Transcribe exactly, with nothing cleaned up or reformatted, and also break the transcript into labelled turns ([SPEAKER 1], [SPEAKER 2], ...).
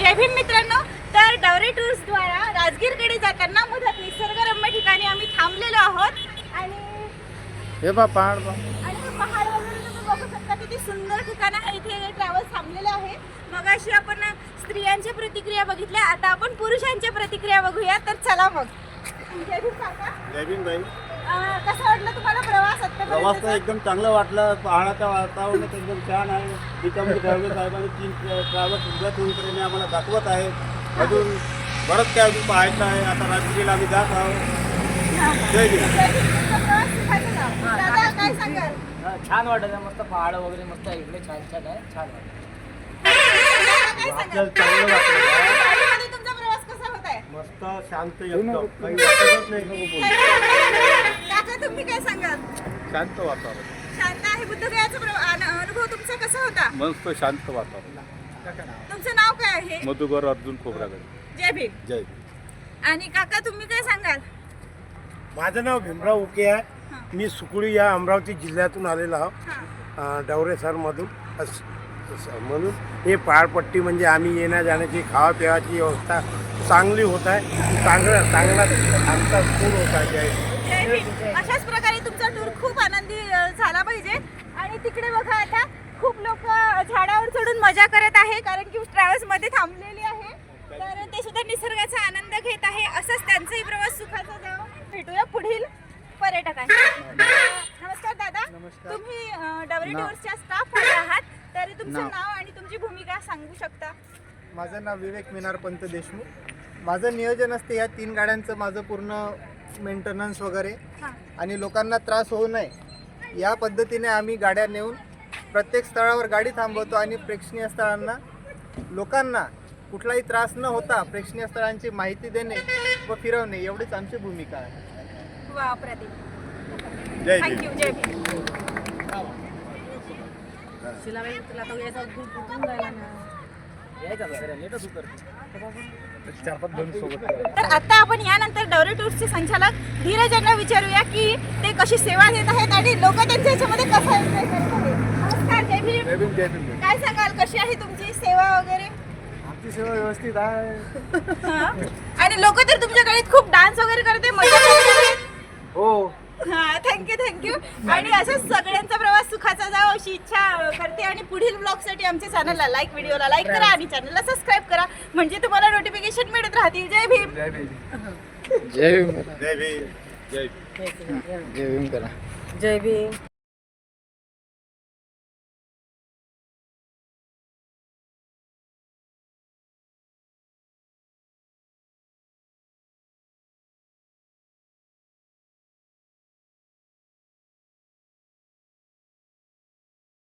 [SPEAKER 1] जय भीम मित्रांनो. तर डवरे टूर्स द्वारा राजगीरकडे जाताना मुदत निसर्गरम्य ठिकाणी आम्ही थांबलेलो आहोत आणि
[SPEAKER 2] हे बा पहाड बा
[SPEAKER 1] आणि हे पहाड वगैरे तुम्ही बघू शकता किती सुंदर ठिकाण आहे. इथे ट्रॅव्हल्स थांबलेले आहे. मग अशी आपण स्त्रियांच्या प्रतिक्रिया बघितल्या, आता आपण पुरुषांच्या प्रतिक्रिया बघूया. तर चला मग. जय भीम काका.
[SPEAKER 2] जय भीम बाई.
[SPEAKER 1] अं, कसं वाटलं तुम्हाला प्रवास
[SPEAKER 2] प्रवास तर
[SPEAKER 1] आत्तापर्यंत?
[SPEAKER 2] एकदम चांगलं वाटलं. पहाडाचं वातावरण एकदम छान आहे. त्याच्यामध्ये ड्रायव्हर साहेबांनी तीन ट्रॅव्हल्स सुद्धा ट्रेने आम्हाला दाखवत आहेत. अजून बरंच काय अजून पाहायचं आहे. आता राजगिरीला आम्ही जात आहोत. जय भीम.
[SPEAKER 1] जय भीम. तुमचा प्रवास सुखाचा जाओ. दादा काय सांगाल?
[SPEAKER 3] छान वाटत आहे. मस्त पहाड वगैरे मस्त आहे. इकडे छान छान आहे. छान वाटत
[SPEAKER 1] काय सांगाल?
[SPEAKER 2] चांगलं वाटलं.
[SPEAKER 1] गाडीमध्ये तुमचा प्रवास कसा होत आहे?
[SPEAKER 2] मस्त शांत एकदम काही वाटतच नाही.
[SPEAKER 1] काका तुम्ही काय सांगाल?
[SPEAKER 2] शांत वातावरण.
[SPEAKER 1] शांत आहे. बुद्धगयाचा प्रवा- अन- अनुभव तुमचा कसा होता?
[SPEAKER 2] मस्त शांत वातावरण.
[SPEAKER 1] तुमचं नाव काय आहे?
[SPEAKER 2] मधुकर अर्जुन खोबरागडे.
[SPEAKER 1] जय भीम.
[SPEAKER 2] जय भीम.
[SPEAKER 1] आणि काका तुम्ही काय सांगाल?
[SPEAKER 4] माझं नाव भीमराव उके आहे. मी सुकुळी या अमरावती जिल्ह्यातून आलेलो आहो.
[SPEAKER 1] हां.
[SPEAKER 4] डवरे सरमधून अस असं म्हणून हे पहाडपट्टी म्हणजे आम्ही येण्या जाण्याची खावा पिवाची व्यवस्था चांगली होत आहे. चांगला चांगला आमचा टूर होत आहे. जय भीम.
[SPEAKER 1] जय भीम. अशाच प्रकारे तुमचा टूर खूप आनंदी अ, झाला पाहिजे. आणि तिकडे बघा आता खूप लोक झाडावर चढून मजा करत आहे, कारण की ट्रॅव्हल्स मध्ये थांबलेली आहे. तर ते सुद्धा निसर्गाचा आनंद घेत आहे. असंच त्यांचाही प्रवास सुखाचा जावो. भेटूया पुढील पर्यटकांशी. नमस्कार दादा. तुम्ही अ, डवरे टूर्सच्या स्टाफ मध्ये आहात, तर तुमचं
[SPEAKER 2] नाव.
[SPEAKER 1] नाव आणि तुमची भूमिका सांगू शकता?
[SPEAKER 5] माझं नाव विवेक मिनार पंत देशमुख. माझं नियोजन असते या तीन गाड्यांचं माझं पूर्ण मेंटेनन्स वगैरे
[SPEAKER 1] हां.
[SPEAKER 5] आणि लोकांना त्रास होऊ नये या पद्धतीने आम्ही गाड्या नेऊन प्रत्येक स्थळावर गाडी थांबवतो आणि प्रेक्षणीय स्थळांना लोकांना कुठलाही त्रास न होता प्रेक्षणीय स्थळांची माहिती देणे व फिरवणे एवढीच आमची भूमिका आहे.
[SPEAKER 1] वा प्रदीप.
[SPEAKER 2] जय भीम.
[SPEAKER 1] थँक्यू. जय भीम. तर आता आपण यानंतर डवरे टूर्सचे संचालक धीरज यांना विचारूया की ते कशी सेवा देत आहेत आणि लोक त्यांच्या ह्याच्यामध्ये कसं एन्जॉय करत आहेत. नमस्कार. जय भीम.
[SPEAKER 2] जय भीम. जय भीम.
[SPEAKER 1] काय सांगाल, कशी आहे तुमची सेवा वगैरे?
[SPEAKER 5] आमची सेवा व्यवस्थित आहे.
[SPEAKER 1] हा. आणि लोक तर तुमच्या गाडीत खूप डान्स वगैरे करते, मजा करते.
[SPEAKER 5] हो.
[SPEAKER 1] हा. Thank you thank you. आणि असंच सगळ्यांचा प्रवास सुखाचा जावो अशी इच्छा करते. आणि पुढील ब्लॉगसाठी आमच्या चॅनलला लाईक व्हिडिओला लाईक करा आणि चॅनलला सबस्क्राईब करा, म्हणजे तुम्हाला नोटिफिकेशन मिळत राहतील. जय भीम.
[SPEAKER 2] जय भीम.
[SPEAKER 5] जय भीम.
[SPEAKER 2] जय भीम. जय भीम.
[SPEAKER 5] जय भीम करा.
[SPEAKER 3] जय भीम.